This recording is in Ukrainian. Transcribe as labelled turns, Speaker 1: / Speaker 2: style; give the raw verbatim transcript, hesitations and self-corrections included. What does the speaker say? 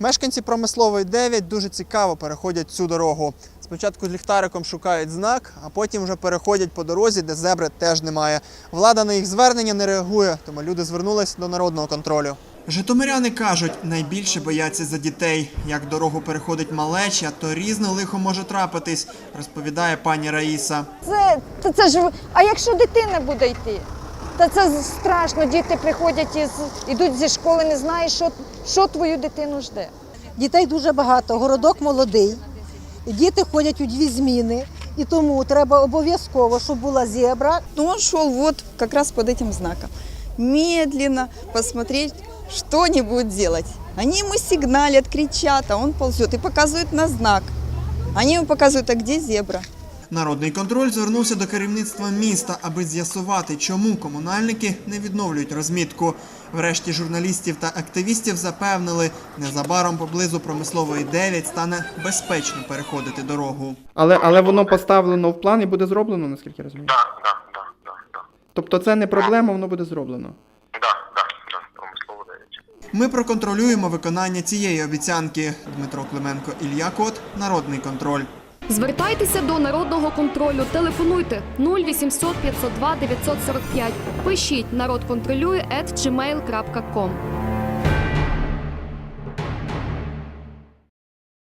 Speaker 1: Мешканці Промислової дев'ять дуже цікаво переходять цю дорогу. Спочатку з ліхтариком шукають знак, а потім вже переходять по дорозі, де зебри теж немає. Влада на їх звернення не реагує, тому люди звернулись до народного контролю. Житомиряни кажуть, найбільше бояться за дітей. Як дорогу переходить малеча, то різне лихо може трапитись, розповідає пані Раїса.
Speaker 2: Це, та це ж, а якщо дитина буде йти? Та це страшно, діти приходять, із, ідуть зі школи, не знаєш, що, що твою дитину жде.
Speaker 3: Дітей дуже багато, городок молодий, діти ходять у дві зміни, і тому треба обов'язково, щоб була зебра.
Speaker 4: Но он шел вот как раз под этим знаком. Медленно посмотреть, что они будут делать. Они ему сигналят, кричат, а он ползет и показывает на знак. Они ему показывают, а где зебра.
Speaker 1: Народний контроль звернувся до керівництва міста, аби з'ясувати, чому комунальники не відновлюють розмітку. Врешті журналістів та активістів запевнили, незабаром поблизу Промислової дев'ять стане безпечно переходити дорогу.
Speaker 5: Але, але воно поставлено в план і буде зроблено, наскільки я розумію?
Speaker 6: Так, так, так, так, так.
Speaker 5: Тобто це не проблема, воно буде зроблено?
Speaker 6: Так, так, так, Промислова дев'ять.
Speaker 1: Ми проконтролюємо виконання цієї обіцянки. Дмитро Клименко, Ілля Кот, Народний контроль.
Speaker 7: Звертайтеся до Народного контролю, телефонуйте нуль вісімсот п'ятсот два дев'ятсот сорок п'ять, пишіть народ контролює ет джі мейл крапка ком.